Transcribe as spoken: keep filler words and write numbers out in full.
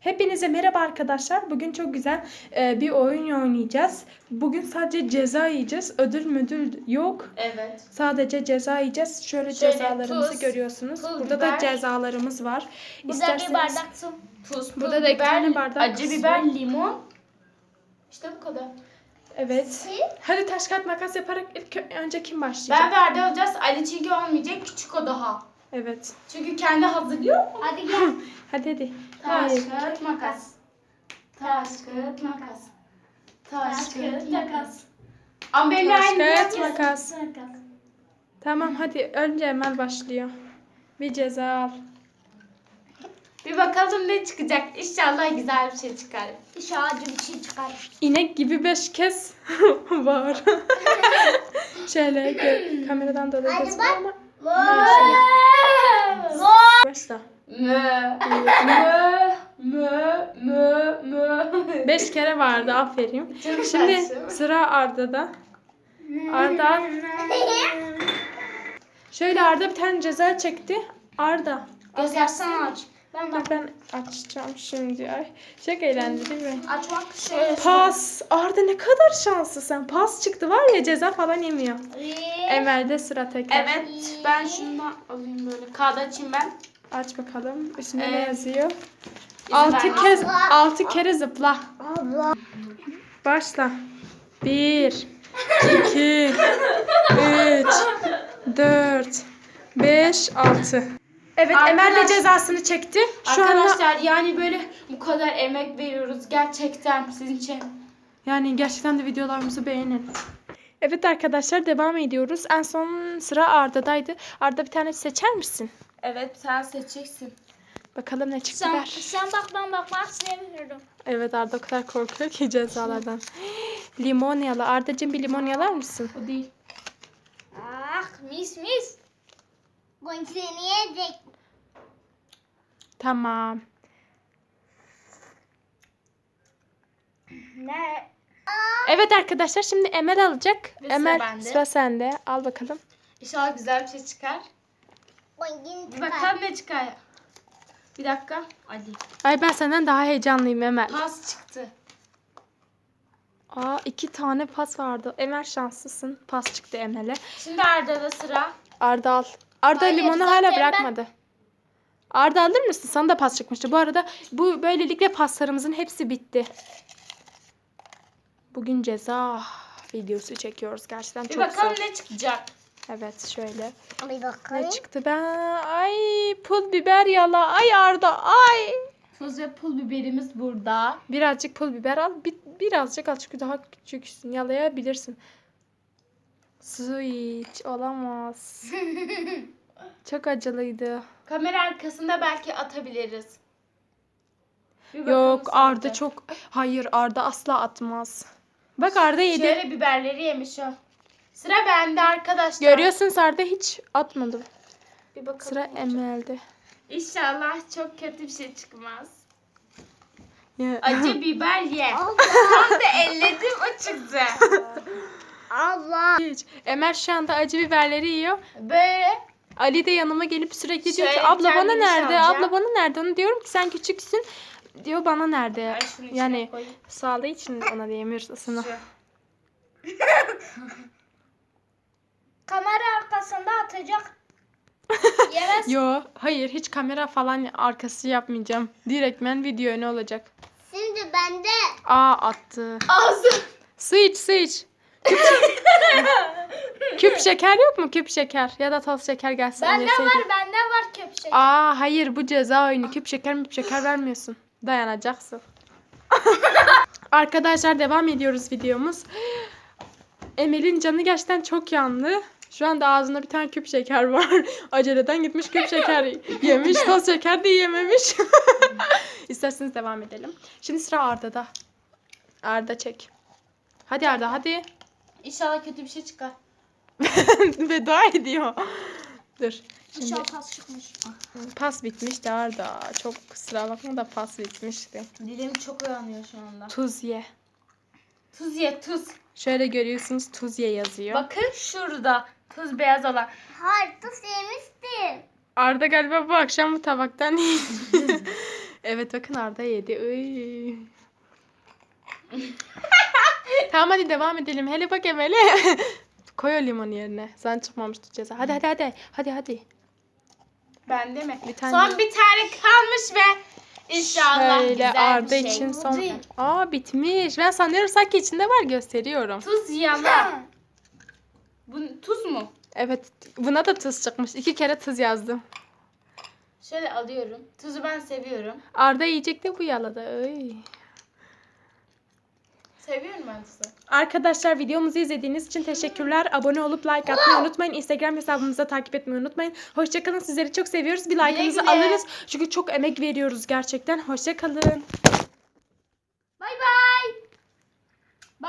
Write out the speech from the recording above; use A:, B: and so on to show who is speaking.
A: Hepinize merhaba arkadaşlar. Bugün çok güzel e, bir oyun oynayacağız. Bugün sadece ceza yiyeceğiz. Ödül müdül yok.
B: Evet.
A: Sadece ceza yiyeceğiz. Şöyle,
B: Şöyle
A: cezalarımızı
B: tuz,
A: görüyorsunuz.
B: pul
A: Burada
B: biber.
A: da cezalarımız var.
C: Burada
A: İsterseniz...
C: bir bardak su.
B: Tuz, pul
A: Burada da iki
B: biber,
A: tane bardak
B: acı
A: su.
B: biber, limon. İşte bu kadar.
A: Evet. Hadi taş kağıt makas yaparak ilk önce kim başlayacak?
B: Ben ve Arda olacağız. Ali çünkü olmayacak. Küçük o daha.
A: Evet.
B: Çünkü kendi hazırlıyor mu?
C: Hadi gel.
A: Hadi hadi.
B: Taş,
A: Hayır.
B: kağıt, makas. Taş, kağıt, makas. Taş, kağıt, makas. Ama benimle
A: Taş
B: aynı
A: kağıt
B: yapacağız.
A: makas. Tamam hadi önce Emel başlıyor. Bir ceza al.
B: Bir bakalım ne çıkacak. İnşallah güzel bir şey çıkar.
C: İnşallah acı bir şey çıkar.
A: İnek gibi beş kez var. Şöyle gö- kameradan dolayı
C: Hadi
A: gözüküyor
C: bak.
A: ama.
C: Zor.
A: Başla.
B: Mö, mö, mö, mö, mö.
A: Beş kere vardı, aferin.
B: Çok
A: Şimdi
B: saçma.
A: sıra Arda'da. Arda. Şöyle Arda bir tane ceza çekti. Arda.
B: Göstersen aç.
C: Ben
A: Bak
C: bak.
A: ben açacağım şimdi. Ay, çok eğlendi değil mi?
C: Açmak şöyle.
A: Pas. Arda ne kadar şanslısın. Pas çıktı var ya, ceza falan yemiyor. Emel'de sıra tekrar.
B: Evet, ben şundan alayım böyle. Kağıdı açayım ben.
A: Aç bakalım. Üstünde ne
B: Evet.
A: yazıyor?
B: İzin
A: Altı
B: ver.
A: kez,
C: Allah.
A: altı kere zıpla.
C: Allah.
A: Başla. Bir, iki, üç, dört, beş, altı. Evet, Emel de
B: Arkadaş-
A: cezasını çekti. Şu anda
B: Arkadaşlar yani böyle bu kadar emek veriyoruz gerçekten sizin için.
A: yani gerçekten de videolarımızı beğenin. Evet arkadaşlar, devam ediyoruz. En son sıra Arda'daydı. Arda bir tane seçer misin?
B: Evet, sen seçeceksin.
A: Bakalım ne çıktı
C: Sen,
A: ver.
C: sen bak ben bakmak istemiyorum.
A: Evet, Arda o kadar korkuyor ki cezalardan. Limon yala. Arda'cığım bir limon yalar mısın?
B: O değil.
C: Ah mis mis. Bunu seni yiyecek.
A: Tamam.
C: Ne?
A: Evet arkadaşlar, şimdi Emel alacak.
B: Ve sıra
A: Emel
B: bende.
A: sıra sende. Al bakalım.
B: İnşallah güzel bir şey çıkar.
C: Bunu
B: Bir bakalım ne çıkar. Bir dakika. Hadi.
A: Ay, ben senden daha heyecanlıyım Emel.
B: Pas çıktı.
A: Aa, iki tane pas vardı. Emel şanslısın. Pas çıktı Emel'e.
B: Şimdi Arda'da sıra.
A: Arda al. Arda
C: Hayır,
A: limonu
C: zaten
A: hala
C: ben-
A: bırakmadı. Arda alır mısın? Sana da pas çıkmıştı. Bu arada bu böylelikle paslarımızın hepsi bitti. Bugün ceza videosu çekiyoruz. Gerçekten
B: Bir
A: çok
B: bakalım
A: zor.
B: ne çıkacak.
A: Evet, şöyle.
C: Bir bakalım.
A: Ne çıktı ben? Ay, pul biber yala. Ay Arda, ay.
B: Tuz ve pul biberimiz burada.
A: Birazcık pul biber al. Bir, birazcık al çünkü daha küçüksün. Yalayabilirsin. Su iç. Olamaz. Çok acılıydı.
B: Kamera arkasında belki atabiliriz. Bir bakalım
A: Yok,
B: sonra
A: Arda
B: da.
A: çok... Hayır, Arda asla atmaz. Bak Arda yedi.
B: Şöyle biberleri yemiş o. Sıra bende arkadaşlar.
A: Görüyorsunuz, Arda hiç atmadı.
B: Bir bakalım.
A: Sıra Emel'de.
B: İnşallah çok kötü bir şey çıkmaz.
A: Ya.
B: Acı biber ye.
C: Allah.
B: Tam da elledim o çıktı.
C: Allah.
A: Hiç. Emel şu anda acı biberleri yiyor.
B: Böyle.
A: Ali de yanıma gelip sürekli diyor ki
B: Şöyle
A: abla bana
B: kendimi
A: nerede?
B: salacağım.
A: Abla bana nerede? Onu diyorum ki sen küçüksün. Diyor bana nerede?
B: Ay, şunu içine
A: Yani
B: koyayım.
A: sağlığı için ona diyemiyoruz ısını.
B: Şu.
C: Kamera arkasında atacak. Yemez.
A: Yo, hayır, hiç kamera falan arkası yapmayacağım. Direktmen video ne olacak?
C: Şimdi bende.
A: Aa, attı.
B: Ağzı.
A: Su iç, su iç. Küp, küp şeker yok mu? Küp şeker ya da toz şeker gelsin.
C: Bende
A: yeseydik.
C: var bende var köpüşek.
A: Aa, hayır, bu ceza oyunu. Küp şeker mi şeker vermiyorsun. Dayanacaksın. Arkadaşlar, devam ediyoruz videomuz. Emel'in canı gerçekten çok yandı. Şu anda ağzında bir tane küp şeker var. Aceleden gitmiş küp şeker yemiş. Toz şeker de yememiş. İsterseniz devam edelim. Şimdi sıra Arda'da. Arda çek. Hadi Arda, hadi.
B: İnşallah kötü bir şey çıkar.
A: Veda ediyor. Dur. Şimdi
C: İnşallah pas çıkmış.
A: pas bitmişti Arda. Çok kusura bakma da pas bitmişti.
B: Dilim çok uyanıyor şu anda.
A: Tuz ye.
B: Tuz ye tuz.
A: Şöyle görüyorsunuz, tuz ye yazıyor.
B: Bakın şurada. Tuz beyaz olan.
C: Hayır tuz yemiştim.
A: Arda galiba bu akşam bu tabaktan yiyecek. Evet bakın Arda yedi. Iy. Tamam hadi devam edelim. Hele bak Emel'e. Koy o limon yerine. Sen çıkmamıştı ceza. Hadi hadi hadi. Hadi hadi.
B: Bende mi?
A: Bir tane-
B: Son bir tane kalmış ve inşallah
A: Şöyle
B: güzel
A: Arda
B: bir şey.
A: için son.
C: Değil.
A: Aa bitmiş. Ben sanıyorum sanki içinde var, gösteriyorum.
B: Tuz yala. Bu tuz mu?
A: Evet buna da tuz çıkmış. İki kere tuz yazdım.
B: Şöyle alıyorum. Tuzu ben seviyorum.
A: Arda yiyecek de bu yaladı. Ay.
B: Seviyorum ben tuzu.
A: Arkadaşlar videomuzu izlediğiniz için teşekkürler. Abone olup like atmayı unutmayın. Instagram hesabımıza takip etmeyi unutmayın. Hoşçakalın. Sizleri çok seviyoruz. Bir like'ınızı
B: güle.
A: alırız. Çünkü çok emek veriyoruz gerçekten. Hoşçakalın.